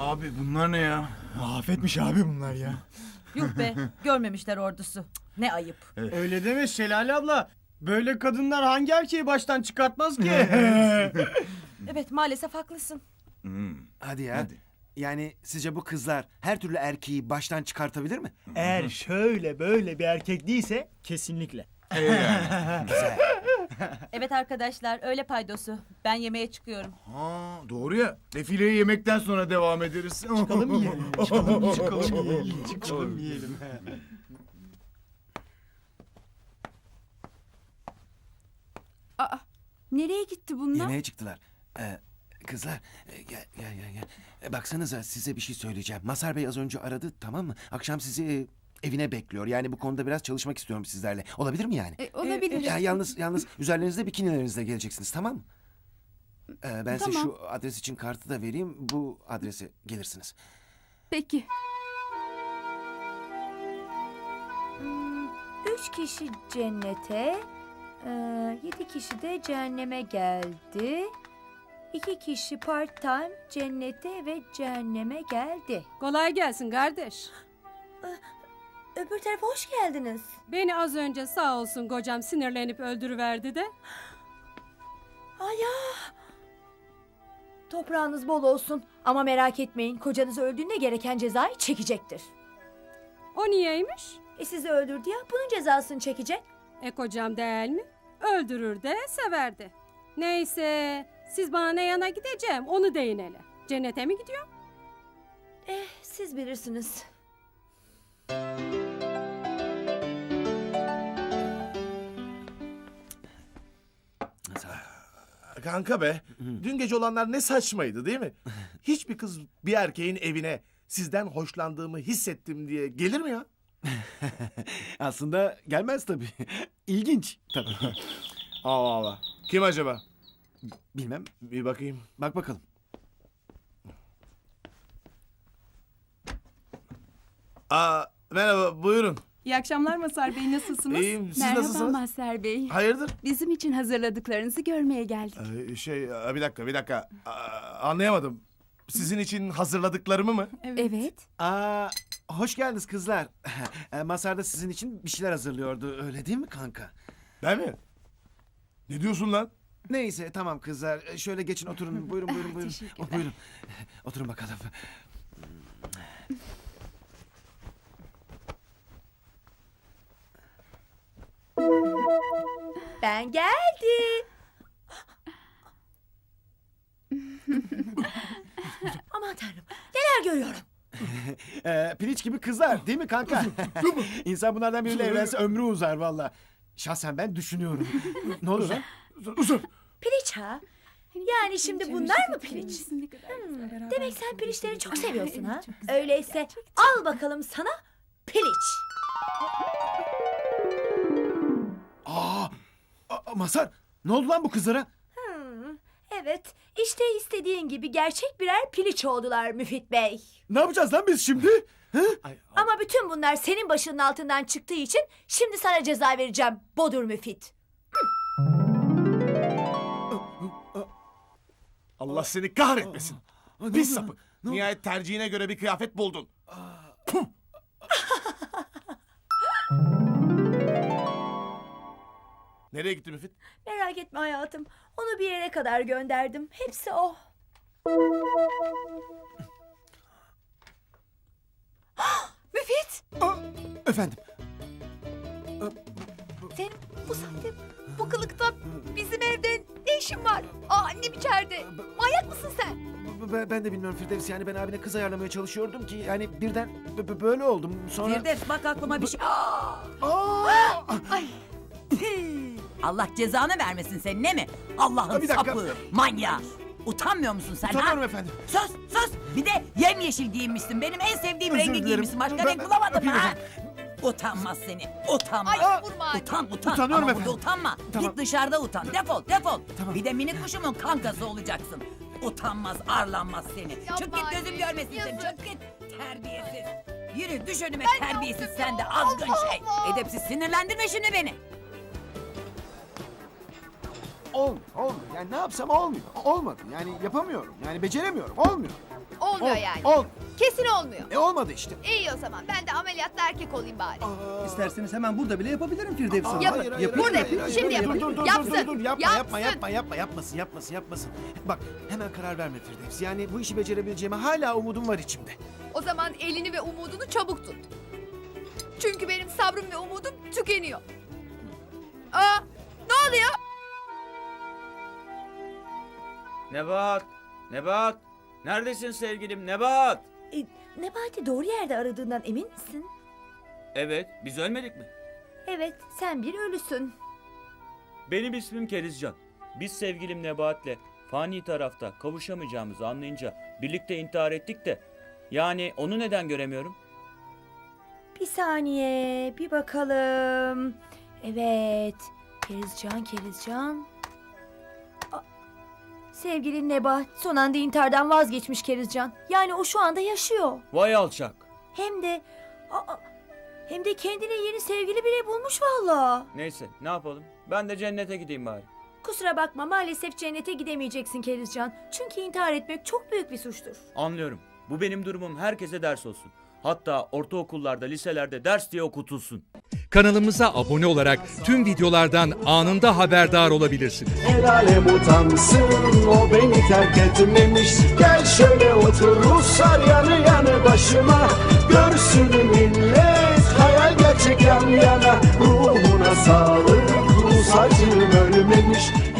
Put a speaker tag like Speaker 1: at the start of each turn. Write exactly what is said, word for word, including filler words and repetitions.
Speaker 1: Abi bunlar ne ya?
Speaker 2: Afetmiş abi bunlar ya.
Speaker 3: Yuh be, görmemişler ordusu. Ne ayıp.
Speaker 4: Öyle deme Şelale abla. Böyle kadınlar hangi erkeği baştan çıkartmaz ki?
Speaker 3: Evet, maalesef haklısın.
Speaker 5: Hadi ya.
Speaker 1: Hadi.
Speaker 5: Yani sizce bu kızlar her türlü erkeği baştan çıkartabilir mi?
Speaker 2: Eğer şöyle böyle bir erkek değilse kesinlikle.
Speaker 5: Güzel.
Speaker 3: Evet arkadaşlar, öyle paydosu. Ben yemeğe çıkıyorum.
Speaker 1: Ha, doğru ya. Defileyi yemekten sonra devam ederiz.
Speaker 2: Çıkalım yiyelim. Çıkalım, çıkalım yiyelim.
Speaker 4: Çıkalım yiyelim.
Speaker 6: Aa, nereye gitti bunlar?
Speaker 5: Yemeğe çıktılar. Ee, kızlar e, gel gel gel. gel. E, baksanıza size bir şey söyleyeceğim. Masar Bey az önce aradı, tamam mı? Akşam sizi e, evine bekliyor. Yani bu konuda biraz çalışmak istiyorum sizlerle. Olabilir mi yani?
Speaker 6: E, olabilir.
Speaker 5: Ya, yalnız yalnız üzerlerinizde bikinilerinizle geleceksiniz, tamam mı? Ee, ben size
Speaker 6: Tamam.
Speaker 5: şu adres için kartı da vereyim. Bu adrese gelirsiniz.
Speaker 6: Peki.
Speaker 7: Üç kişi cennete, e, yedi kişi de cehenneme geldi. İki kişi part time cennete ve cehenneme geldi.
Speaker 8: Kolay gelsin kardeş.
Speaker 7: Öbür tarafa hoş geldiniz.
Speaker 8: Beni az önce sağ olsun kocam sinirlenip öldürüverdi de.
Speaker 7: Ay ya. Toprağınız bol olsun ama merak etmeyin, kocanız öldüğünde gereken cezayı çekecektir.
Speaker 8: O niyeymiş?
Speaker 7: E sizi öldürdü ya, bunun cezasını çekecek.
Speaker 8: E kocam değil mi? Öldürür de severdi. Neyse siz bana ne yana gideceğim onu deyin hele. Cennete mi gidiyorum?
Speaker 7: Eh, siz bilirsiniz.
Speaker 9: Kanka be, dün gece olanlar ne saçmaydı değil mi? Hiçbir kız bir erkeğin evine sizden hoşlandığımı hissettim diye gelir mi ya?
Speaker 5: Aslında gelmez tabii. İlginç tabii.
Speaker 9: Allah Allah. Kim acaba?
Speaker 5: Bilmem.
Speaker 9: Bir bakayım.
Speaker 5: Bak bakalım.
Speaker 9: Aa, merhaba, buyurun.
Speaker 6: İyi akşamlar Masar Bey, nasılsınız?
Speaker 9: İyiyim, siz
Speaker 6: Merhaba
Speaker 9: nasılsınız?
Speaker 6: Mazhar Bey.
Speaker 9: Hayırdır?
Speaker 6: Bizim için hazırladıklarınızı görmeye geldik.
Speaker 9: Ee, şey, e, bir dakika, bir dakika. Aa, anlayamadım. Sizin için hazırladıklarımı mı?
Speaker 6: Evet.
Speaker 5: Aa, hoş geldiniz kızlar. E, Masar da sizin için bir şeyler hazırlıyordu. Öyle değil mi kanka?
Speaker 9: Ben mi? Ne diyorsun lan?
Speaker 5: Neyse tamam kızlar. E, Şöyle geçin oturun. Buyurun buyurun buyurun.
Speaker 6: Teşekkürler.
Speaker 5: Oh, buyurun. Oturun bakalım.
Speaker 7: Ben geldim. Aman tanrım, neler görüyorum.
Speaker 5: Ee, piliç gibi kızlar değil mi kanka? İnsan bunlardan biriyle evlense ömrü uzar valla. Şahsen ben düşünüyorum. Ne olur lan?
Speaker 7: Piliç ha? Yani şimdi bunlar mı piliç? Demek sen piliçleri çok seviyorsun ha? Öyleyse al bakalım sana piliç.
Speaker 5: Aa, a- Masar ne oldu lan bu kızlara?
Speaker 7: Hmm, evet, işte istediğin gibi gerçek birer piliç oldular Müfit Bey.
Speaker 5: Ne yapacağız lan biz şimdi?
Speaker 9: Ay,
Speaker 7: Ama bütün bunlar senin başının altından çıktığı için şimdi sana ceza vereceğim Bodur Müfit.
Speaker 9: Allah seni kahretmesin.
Speaker 5: ne
Speaker 9: Pis
Speaker 5: oldu?
Speaker 9: sapık.
Speaker 5: Ne oldu?
Speaker 9: Nihayet tercihine göre bir kıyafet buldun. Nereye gitti Müfit?
Speaker 7: Merak etme hayatım, onu bir yere kadar gönderdim. Hepsi o. Müfit!
Speaker 5: Efendim.
Speaker 7: Senin bu saatte, bu kılıkta bizim evde ne işin var? Aa, annem içeride. Manyak mısın sen?
Speaker 5: b- b- Ben de bilmiyorum Firdevs, yani ben abine kız ayarlamaya çalışıyordum ki yani birden b- b- böyle oldum. Sonra...
Speaker 3: Firdevs bak aklıma bir şey.
Speaker 5: Aa!
Speaker 3: Allah cezanı vermesin senin, ne mi? Allah'ın
Speaker 5: Bir dakika.
Speaker 3: sapı, manyağı. Utanmıyor musun sen
Speaker 5: Utanıyorum
Speaker 3: ha?
Speaker 5: efendim.
Speaker 3: Sus sus. Bir de yemyeşil giyinmişsin. Benim en sevdiğim
Speaker 5: Özür
Speaker 3: rengi
Speaker 5: dilerim.
Speaker 3: giyinmişsin. Başka
Speaker 5: Ben-
Speaker 3: renk bulamadım
Speaker 5: öpeyim
Speaker 3: ha.
Speaker 5: efendim.
Speaker 3: Utanmaz seni. Utanmaz.
Speaker 7: Ay, vurma.
Speaker 3: Utan utan.
Speaker 5: Utanıyorum
Speaker 3: Ama
Speaker 5: efendim.
Speaker 3: burada utanma.
Speaker 5: Tamam.
Speaker 3: Git dışarıda utan. Defol defol.
Speaker 5: Tamam.
Speaker 3: Bir de minik kuşumun kankası olacaksın. Utanmaz arlanmaz seni. Çık git gözüm görmesin seni. Çık git. Terbiyesiz. Yürü düş önüme terbiyesiz sen de azgın şey. Edepsiz, sinirlendirme şimdi beni.
Speaker 5: Olmuyor, olmuyor. Yani ne yapsam olmuyor. Olmadı. Yani yapamıyorum. Yani beceremiyorum. Olmuyor.
Speaker 10: Olmuyor
Speaker 5: Ol-
Speaker 10: yani.
Speaker 5: Ol.
Speaker 10: Kesin olmuyor.
Speaker 5: E olmadı işte.
Speaker 10: İyi o zaman. Ben de ameliyatta erkek olayım bari.
Speaker 4: İsterseniz hemen burada bile yapabilirim Firdevs Hanım.
Speaker 10: Yapın.
Speaker 5: Hayır, hayır,
Speaker 10: Burada
Speaker 5: hayır,
Speaker 10: yapın.
Speaker 5: hayır,
Speaker 10: Şimdi
Speaker 5: hayır,
Speaker 10: yapın.
Speaker 5: dur, dur, dur,
Speaker 10: Yapsın.
Speaker 5: Dur, dur, dur, yapma, yapma,
Speaker 10: Yapsın.
Speaker 5: yapma, yapma, yapmasın, yapmasın, yapmasın. Bak, hemen karar verme Firdevs. Yani bu işi becerebileceğime hala umudum var içimde.
Speaker 10: O zaman elini ve umudunu çabuk tut. Çünkü benim sabrım ve umudum tükeniyor. Aa, ne oluyor?
Speaker 11: Nebahat! Nebahat! Neredesin sevgilim Nebahat?
Speaker 7: E, Nebati doğru yerde aradığından emin misin?
Speaker 11: Evet, biz ölmedik mi?
Speaker 7: Evet, sen bir ölüsün.
Speaker 11: Benim ismim Kerizcan. Biz sevgilim Nebahat'le fani tarafta kavuşamayacağımızı anlayınca birlikte intihar ettik de. Yani onu neden göremiyorum?
Speaker 7: Bir saniye, bir bakalım. Evet, Kerizcan, Kerizcan. Aa, sevgili Nebahat son anda intihardan vazgeçmiş Kerizcan. Yani o şu anda yaşıyor.
Speaker 11: Vay alçak!
Speaker 7: Hem de... Aa, hem de kendine yeni sevgili bile bulmuş valla.
Speaker 11: Neyse, ne yapalım? Ben de cennete gideyim bari.
Speaker 7: Kusura bakma, maalesef cennete gidemeyeceksin Kerizcan. Çünkü intihar etmek çok büyük bir suçtur.
Speaker 11: Anlıyorum. Bu benim durumum herkese ders olsun. Hatta ortaokullarda, liselerde ders diye okutulsun.
Speaker 12: Kanalımıza abone olarak tüm videolardan anında haberdar olabilirsiniz.
Speaker 13: El alem utansın, o beni terk etmemiş. Gel şöyle otur Ruslar yanı yanı başıma. Görsün millet, hayal gerçek yan yana. Ruhuna sağlık, Rus acım ölmemiş.